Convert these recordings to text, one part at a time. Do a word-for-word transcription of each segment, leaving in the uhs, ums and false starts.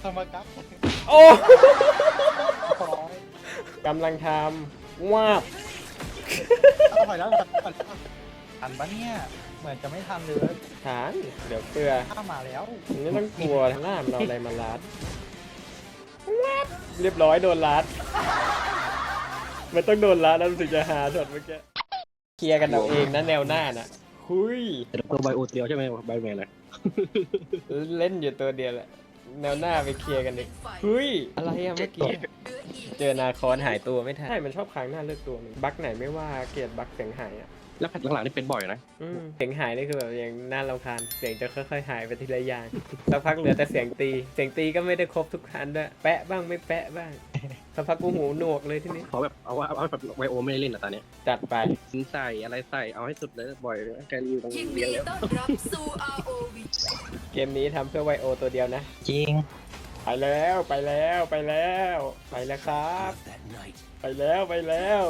ทำมาครับโอ้ขอกำลังทำว้าบเอาไปแล้วทันปะเนี่ยเหมือนจะไม่ทันเลยฐานเดี๋ยวเกลือข้ามาแล้วไม่ต้องกลัวหน้ามันเอาอะไรมาลัดว้าบเรียบร้อยโดนลัดมันต้องโดนลัดแล้วรู้สึกจะหาช็อตเมื่อกี้เคลียร์กันเอาเองนะแนวหน้าน่ะหุยตัวไบโอเตียวใช่ไหมไบแมนเลยเล่นอยู่ตัวเดียวแหละแนวหน้าไปเคลียร์กันดิเฮ้ยอะไรอะเมื่อกี้เจอนาคอนหายตัวไม่ทันใช่มันชอบค้างหน้าเลือกตัวมันบั๊กไหนไม่ว่าเกลียดบั๊กเสียงหายอะแล้วหลังๆนี่เป็นบ่อยนะอืมเสียงหายนี่คือแบบอย่างน่ารำคาญเสียงจะค่อยๆหายไปทีละอย่างสักพักเหลือแต่เสียงตีเสียงตีก็ไม่ได้ครบทุกคันด้วยแปะบ้างไม่แปะบ้างสักพักกูหูหนวกเลยทีนี้ขอแบบเอาเอาแบบไบโอไม่ได้เล่นอ่ะตอนนี้จัดไปสินใส่อะไรใส่เอาให้สุดเลยบ่อยเลยแกรีวิวต้องยินเลี้ดียงแล้วต้อนรับสู่ อาร์ โอ วีเกมนี้ทำเพื่อไวโอตัวเดียวนะจริงไปแล้วไปแล้วไปแล้วไปแล้วครับ ไปแล้วไปแล้ว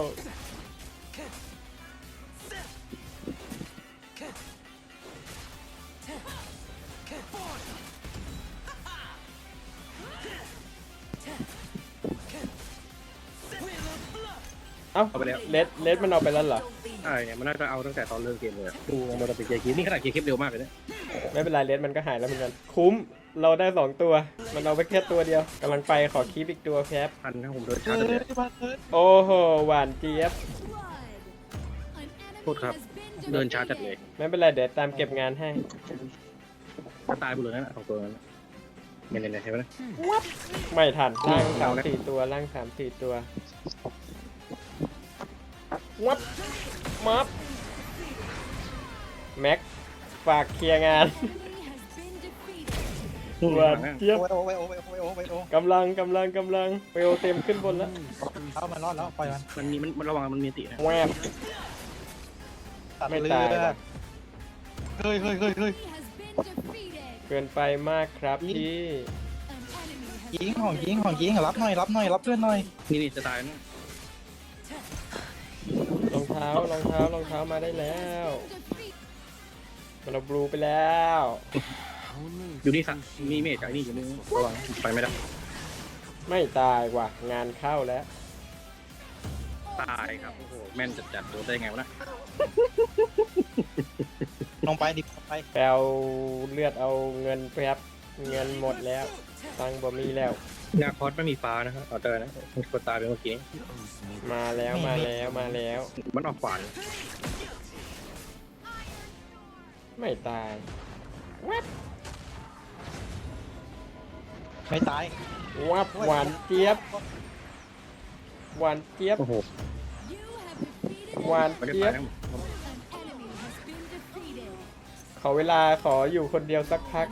เอ้าเอาไปแล้วเลดเลดมันเอาไปแล้วเหรอใช่เนี่ยมันน่าจะเอาตั้งแต่ตอนเริ่มเกมเลยอะดูมันจะเป็นเกมคลิปนี่ขนาดเกมคลิปเร็วมากเลยเนี่ยไม่เป็นไรเลดมันก็หายแล้วเหมือนกันคุ้มเราได้สองตัวมันเอาไปแค่ตัวเดียวกำลังไปขอคีบอีกตัวแคปพันนะผมโดนเอชาร์จเลยอมาเถอะโอ้โหหวานเจี๊ยบโทษครับ เดินชาร์จจัดเลยไม่เป็นไรเดี๋ยวตามเก็บงานให้ถ้าตายไปเลยนะสองตัวนั้นไม่เล่นเลยใช่ไหมนะไม่ทันล่างสามเอานะสี่ตัวล่างสามสี่ตัววับมับแม็กฝากเคลียร์งานนู่นหวานหลังนะเจี๊ยบโอ้ยโอ้ยโอ้ยโอ้ยโอ้ยโอ้ยโอ้ยกำลังกำลังกำลังเปลวเต็มขึ้นบนแล้วเอามันรอดแล้วปล่อยมันมันมีมันมันระวังมันมีตินะแวบตัดไม่เลือตายดว่ะเฮ้ยเฮ้ยเฮ้ยเฮ้ยเกินไปมากครับพี่ยิงของยิงของยิงรับหน่อยรับหน่อยรับเพื่อนหน่อยนี่นี่จะตายนะรองเท้ารองเท้ารองเท้ามาได้แล้วมันเอาบลูไปแล้วอยู่นี่สักมีเมจไอ้นี่อยู่นี่ระวังไปไม่ได้ไม่ตายว่ะงานเข้าแล้วตายครับโอ้โหแม่นจัดจัดโดนได้ไงวะนะลงไปดิบไปแปลเลือดเอาเงินแป๊บเงินหมดแล้วตังค์บ่มีแล้วนาคอสไม่มีฟ้านะครับออเดอร์นะมันกดตายไปเมื่อกี้มาแล้วมาแล้วมาแล้วมันออกขวานไม่ตายไม่ตายวับหวานเจี๊ยบหวานเจี๊ยบโอ้โหหวานไม่ได้เจี๊ยตาบยนะขอเวลาขออยู่คนเดียวสักพัก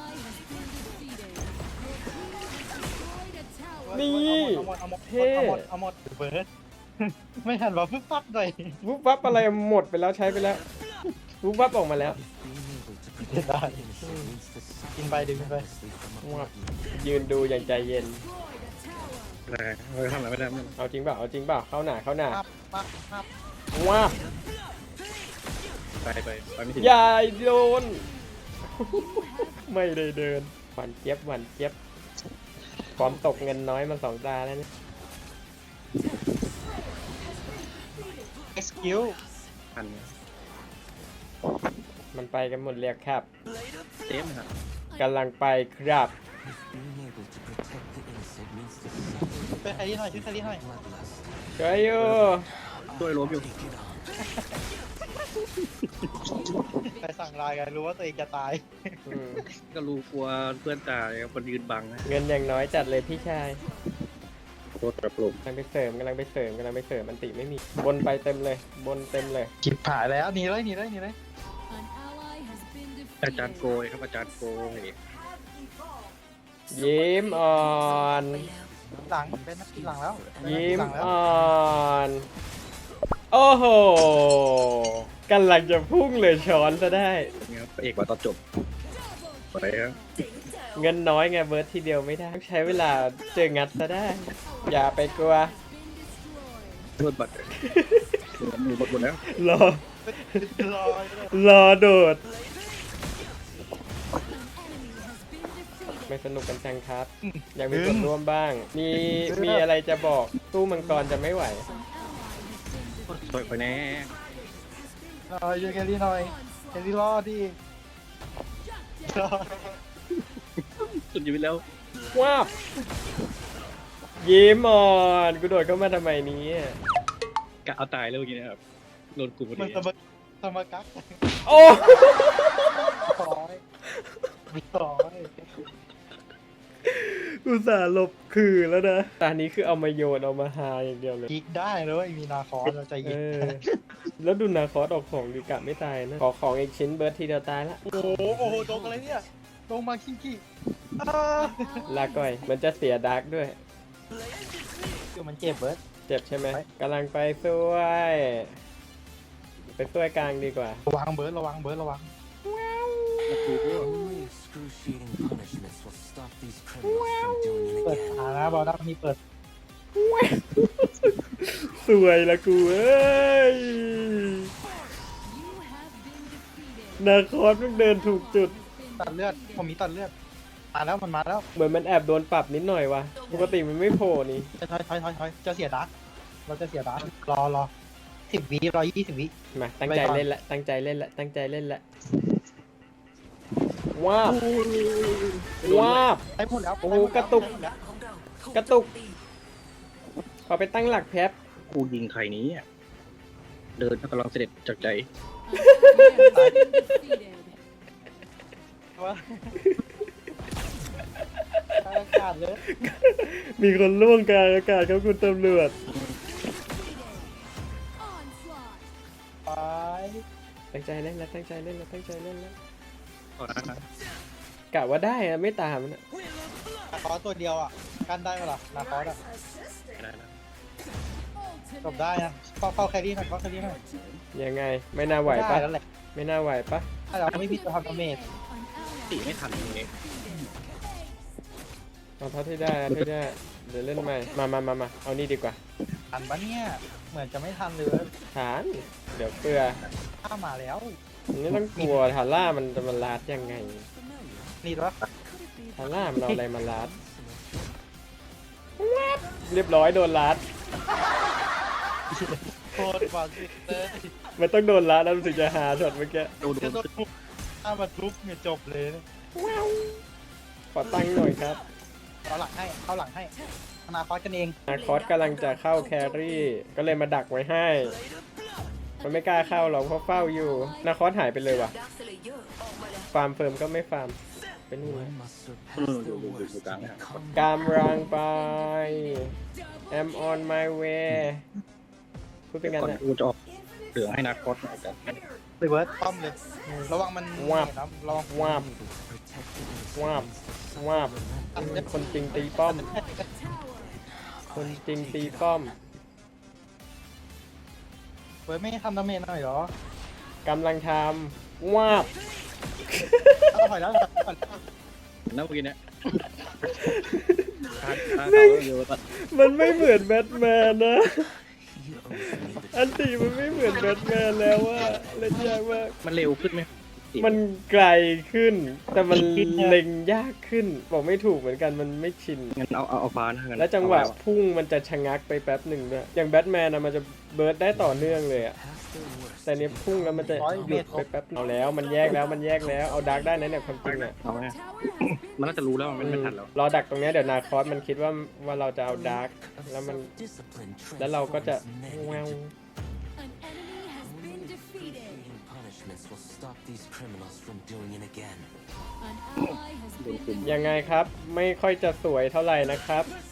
นี่เอาหมดเอาหมดเท่เอาหมดเอาหมดเบิร์ดไม่ทันว่าปึ๊บปั๊บเลยวุบวับอะไรหมดไปแล้วใช้ไปแล้ววุบวับออกมาแล้วได้กินไปดึงไปวับยืนดูอย่างใจเย็นไม่ได้ไม่ทำอะไรไม่ได้ไม่ได้เอาจริงเปล่าเอาจริงเปล่าเข้าหน้าเข้าหน้าปั๊บปั๊บปั๊บวับไปไปไปไม่ถึงอย่าโดน ไม่ได้เดินหวานเจี๊ยบหวานเจี๊ยบพร้อมตกเงินน้อยมาสองตาแล้วเนี่ยเอ็กซ์คิวพันมันไปกันหมดเรียกครับเต็มครับกำลังไปครับช่วยใครที่หน่อยช่วยใครที่หน่อยช่วยอยู่ด้วยล้มอยู่ใครสั่งไลน์กันรู้ว่าตัวเองจะตายอืมก็รู้กลัวเพื่อนตายคนยืนบังนะเงินอย่างน้อยจัดเลยพี่ชายโคตรกระปลุกกำลังไปเสริมกำลังไปเสริมกำลังไปเสริมมันติไม่มี บนไปเต็มเลย บนเต็มเลยจิบผ่ายแล้วหนีเลยหนีเลยหนีเลยอาจารย์โกยครับอาจารย์โกยยิ้มอ่อนหลังเป็นนักหลังแล้วยิ้มหลังแล้วอ่อน โอ้โหกำลังจะพุ่งเลยช้อนซะได้เนี่ยพระเอกว่าตอนจบไปครับเงินน้อยไงเบิร์ดทีเดียวไม่ได้ต้องใช้เวลาเจองัดซะได้ อย่าไปกลัวโทษบัตรมือบดหมดแล้วรอรอเลยรอโดดไม่สนุกกันจังครับ อยากมีส่วนร่วมบ้าง มีมีอะไรจะบอกตู้มังกรจะไม่ไหวสวยไปแน่หน่อยช่วยแครี่หน่อยแครี่รอดดิรอดสุดชีวิตแล้วว้าบยิ้มอ่อนกูโดดเข้ามาทำไมเนี้กะเอาตายแล้วเมื่อกี้นะครับโดนกูพอมันดีสมสมกักโอ้ร้อยร้อยอุตส่าห์หลบคือแล้วนะตอนนี้คือเอามาโยนเอามาหาอย่างเดียวเลยยิกได้เลยมีนาคอสเราใจเอยิกอ แล้วดูนาคอสออกของดีกะไม่ตายนะ ขอของอีกชิ้นเบิร์ดทีเดียวตายละโอ้โหโอ้โหโดนอะไรเนี่ยลงมาคิงกี้อ้าลาก่อย มันจะเสียดาร์กด้วยคือมันเจ็บเบิร์ดเจ็บใช่ไหมไปกำลังไปช่วย ไปช่วยกลางดีกว่าระวังเบิร์ดระวังเบิร์ดระวัง Only excruciating punishments will stop these criminals from doing it เปิด again. ขานะบอลดักมีเปิดสวยละกูเอ้ย นาคอสมันเดินถูกจุดตัดเลือดผมมีตัดเลือดมาแล้วมันมาแล้วเหมือนมันแอบโดนปรับนิดหน่อยวะปกติมันไม่โผล่นี่ถอยถอยถอยถอยจะเสียดักเราจะเสียดักรอรอสิบวิรอยี่สิบวิมาตั้งใจเล่นละ ตั้งใจเล่นละ ตั้งใจเล่นละ ว้าบว้าบไอ้พูดแล้วโอ้โหกระตุก กระตุก ขอไปตั้งหลักแป๊บกูยิงใครนี้อะเดินกำลังเสด็จจากใจว่าอากาศเลยมีคนล่วงกลางอากาศครับคุณตำรวจไปตั้งใจเล่นแล้ว ตั้งใจเล่นแล้ว ตั้งใจเล่นแล้วก่อนนะกะว่าได้อะไม่ตามมันอะนาคอสตัวเดียวอ่ะกันได้ปะล่ะนาคอสอ่ะไม่ได้นะจบได้นะเข้าเข้าแครี่หน่อยเข้าแครี่หน่อยยังไง ไม่น่าไหวปะด้แล้วแหละไม่น่าไหวปะถ้าเราไม่พิจารณาดาเมจตีไม่ทันตรงนี้เอาเท่าที่ได้เอาเท่าที่ได้ เดี๋ยวเล่นใหม่ มามามามาเอานี่ดีกว่าทันปะเนี่ยเหมือนจะไม่ทันเลยฐาน เดี๋ยวเกลือข้ามาแล้วไม่ต้องกลัวทาร่ามันจะมาลาดยังไงนี่วะทาร่ามันเอาอะไรมาลาดเรียบร้อยโดนลาดโคตรบาสิเลยมันต้องโดนลาดแล้วรู้สึกจะหาช็อตเมื่อกี้โดนโดจะนโดนทุบถ้ามาทุบเนี่ยจบเลยขอตั้งหน่อยครับเอาหลังให้เข้าหลังให้อนาคอสกันเองนาคอสกำลังจะเข้าแครี่ ก็เลยมาดักไว้ให้ มันไม่กล้าเข้าหรอกเพราะเฝ้าอยู่ นาคอสหายไปเลยว่ะดักสเลเยอร์ออกมาแล้วฟาร์มเฟิร์มก็ไม่ฟาร์ม เป็นนี่ One นะ must เออ surpass อยู่ their อยู่อยู่ worst อยู่กลาง to นะ become กำลังไป I'm on my way พูดเป็นกันก่อนนะกูจะออกเหลืองให้นาคอสหน่อยกันไปเบิร์ดป้อมเลย ระวังมันวาบนะระวังวาบ protected วาบ against วาบ คนจริงตีป้อม คนจริงตีป้อมเบิร์ดไม่ทำดาเมจหน่อยเหรอกำลังทำวาบเอาถอยแล้วถอยแล้วนั่นเมื่อกี้เนี่ยทานทานเขาเยอะตัดมันไม่เหมือนแบทแมนนะ You owe me the อันตีมันไม่เหมือนแบทแมนแล้วว่าเล่นยากมากมันเร็วขึ้นไหมมันไกลขึ้น แต่มันเล็งยากขึ้น บอกไม่ถูกเหมือนกันมันไม่ชินงั้นเอาเอาเอาฟ้านะงั้นแล้วจังหวะเอาไพุ่งมันจะชะงักไปแป๊บหนึ่งด้วยอย่างแบทแมนนะมันจะเบิร์ดได้ต่อเนื่องเลยอะ past their worst. แต่เนี้ยพุ่งแล้วมันจะหยุดไปแป๊บเอาแล้วมันแยกแล้วมันแยกแล้วเอาดาร์กได้นะเนี่ยความจริงอะเอาไหมมันน่าจะรู้แล้วมันไม่ทันแล้วรอดักตรงเนี้ยเดี๋ยวนาคอสมันคิดว่าว่าเราจะเอาดาร์ก Of แล้วมัน self-discipline แล้วเราก็จะ transforms แว men ว into An enemy has been defeated. Excruciating punishments will stop these criminals from doing it again. An ally has โดน been กลุ่มยังไงครับ ไม่ค่อยจะสวยเท่าไหร่นะครับ You have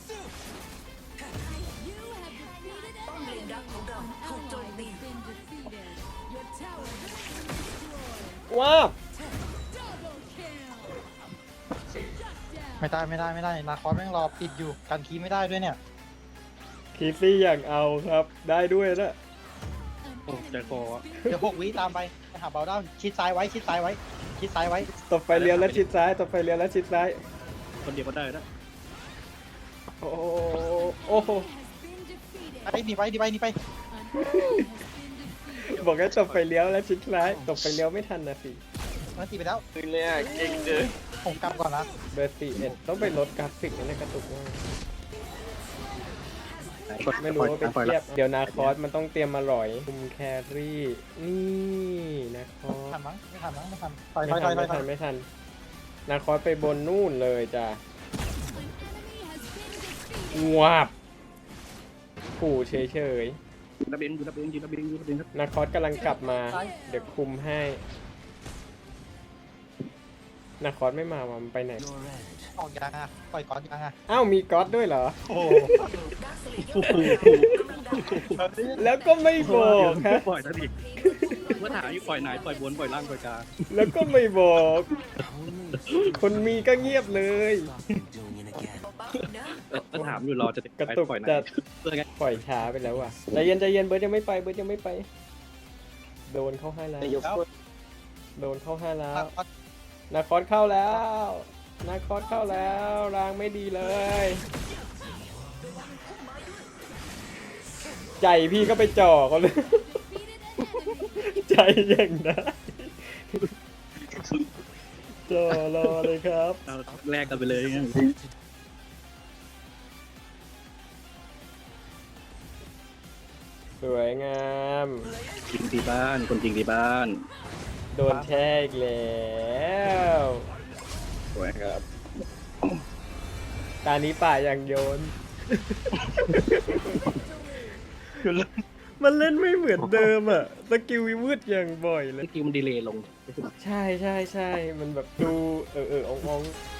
defeated ป้อมเลนดักของเราถูกโจมตี been defeated. Your tower has been destroyed. ว้าว Double kill. Shut down. ไม่ได้ไม่ได้ไม่ได้นาคอสแม่งรอปิดอยู่กันคีไม่ได้ด้วยเนี่ยคีซี่อยากเอาครับ ได้ด้วยนะโอ้ใจคออะเดี๋ยวหกวิตามไปไปหาเบลด้าชิดซ้ายไว้ชิดซ้ายไว้ชิดซ้ายไว้ตบไฟเลี้ยวแล้วชิดซ้ายตบไฟเลี้ยวแล้วชิดซ้ายคนเดียวก็ได้นะโอ้โหโอ้โหไปหนีไปหนีไปหนีไปบอกให้ตบไฟเลี้ยวแล้วชิดซ้ายตบไฟเลี้ยวไม่ทันนะสิมันตีไปแล้วคืนเลยอ่ะเก่งเกินผมกลับก่อนนะเบอร์สี่เอ็ดต้องไปลดกราฟิกในกระตุกมากไม่รู้ว่าไปเทียบเดี๋ยวนาคอสมันต้องเตรียมมาหร่อยคุมแครี่นี่นาคอสทันมั้งไม่ทันมั้งไม่ทันถอยถไม่อยถทัอน ยถไม่อยถทัอน ยไม่ทันนาคอสไปบนนู่นเลยจ้ะ An enemy has been defeated. งวบขู่เฉยยูระเบนยูระเบนยูระเบนยูระเบนครับๆนาคอสกำลังกลับมา เดี๋ยวคุมให้นาคอสไม่มาว่ะมันไปไหน Your edge. ออกยางอ่ะปล่อยก่อนยางอ่ะอ้าวมีก๊อตด้วยเหรอโอ้แล้วก็ไม่บอกฮะปล่อยซะดิเมื่อถามอยู่ปล่อยไหนปล่อยบนปล่อยล่างปล่อยกลางแล้วก็ไม่บอก Only คนมีก็เงียบเลย stop you doing it again. เออถามอยู่รอจะกระตุกปล่อยไหนจะเพื่อไงปล่อยช้าไปแล้วอ่ะใจเย็นใจเย็นเบิร์ดยังไม่ไปเบิร์ดยังไม่ไป โดนเข้าให้แล้วแล้วโดนเข้าให้แล้วอ่ะนาคอสเข้าแล้วนาคอสเข้าแล้วรางไม่ดีเลย ใจพี่ก็ไปจ่อเขาเลย ใจอย่างนั้นจ่อรอเลยครับเราแลกกันไปเลยงั้นสวยงามจริงที่บ้านคนจริงที่บ้านโดนแช่อีกแล้วสวยครับตานี้ป่าอย่างโยน มันเล่นไม่เหมือนเดิมอ่ะสกิลวิวืดอย่างบ่อยเลยสกิลมันดีเลย์ลงใช่ใช่ใช่มันแบบดูเออเออององๆ